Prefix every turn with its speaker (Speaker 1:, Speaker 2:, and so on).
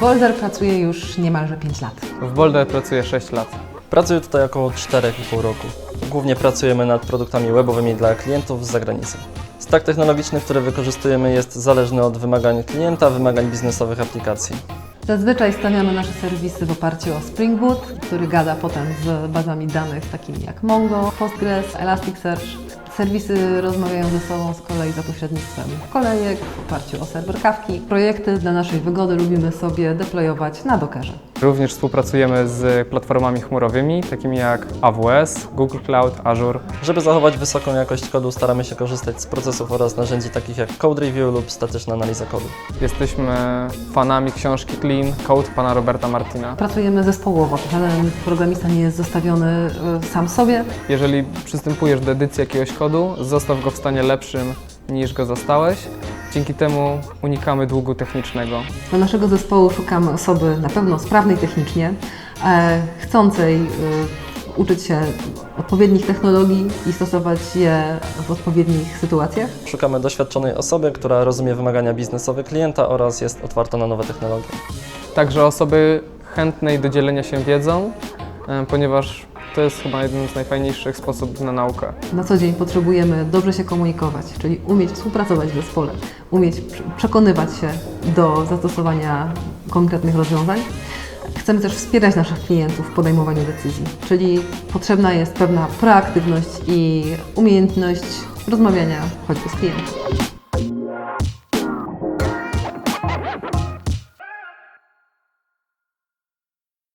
Speaker 1: Boulder pracuje już niemalże 5 lat.
Speaker 2: W Boulder pracuję 6 lat.
Speaker 3: Pracuję tutaj około 4,5 roku. Głównie pracujemy nad produktami webowymi dla klientów z zagranicy. Stack technologiczny, który wykorzystujemy, jest zależny od wymagań klienta, wymagań biznesowych aplikacji.
Speaker 1: Zazwyczaj stawiamy nasze serwisy w oparciu o Spring Boot, który gada potem z bazami danych takimi jak Mongo, Postgres, Elasticsearch. Serwisy rozmawiają ze sobą z kolei za pośrednictwem kolejek w oparciu o serwer Kafki. Projekty dla naszej wygody lubimy sobie deployować na Dockerze.
Speaker 2: Również współpracujemy z platformami chmurowymi, takimi jak AWS, Google Cloud, Azure.
Speaker 3: Żeby zachować wysoką jakość kodu, staramy się korzystać z procesów oraz narzędzi takich jak Code Review lub statyczna analiza kodu.
Speaker 2: Jesteśmy fanami książki Clean Code pana Roberta Martina.
Speaker 1: Pracujemy zespołowo, żaden programista nie jest zostawiony sam sobie.
Speaker 2: Jeżeli przystępujesz do edycji jakiegoś kodu, zostaw go w stanie lepszym niż go zastałeś. Dzięki temu unikamy długu technicznego.
Speaker 1: Do naszego zespołu szukamy osoby na pewno sprawnej technicznie, chcącej uczyć się odpowiednich technologii i stosować je w odpowiednich sytuacjach.
Speaker 3: Szukamy doświadczonej osoby, która rozumie wymagania biznesowe klienta oraz jest otwarta na nowe technologie.
Speaker 2: Także osoby chętnej do dzielenia się wiedzą, ponieważ to jest chyba jeden z najfajniejszych sposobów na naukę.
Speaker 1: Na co dzień potrzebujemy dobrze się komunikować, czyli umieć współpracować w zespole, umieć przekonywać się do zastosowania konkretnych rozwiązań. Chcemy też wspierać naszych klientów w podejmowaniu decyzji, czyli potrzebna jest pewna proaktywność i umiejętność rozmawiania choćby z klientem.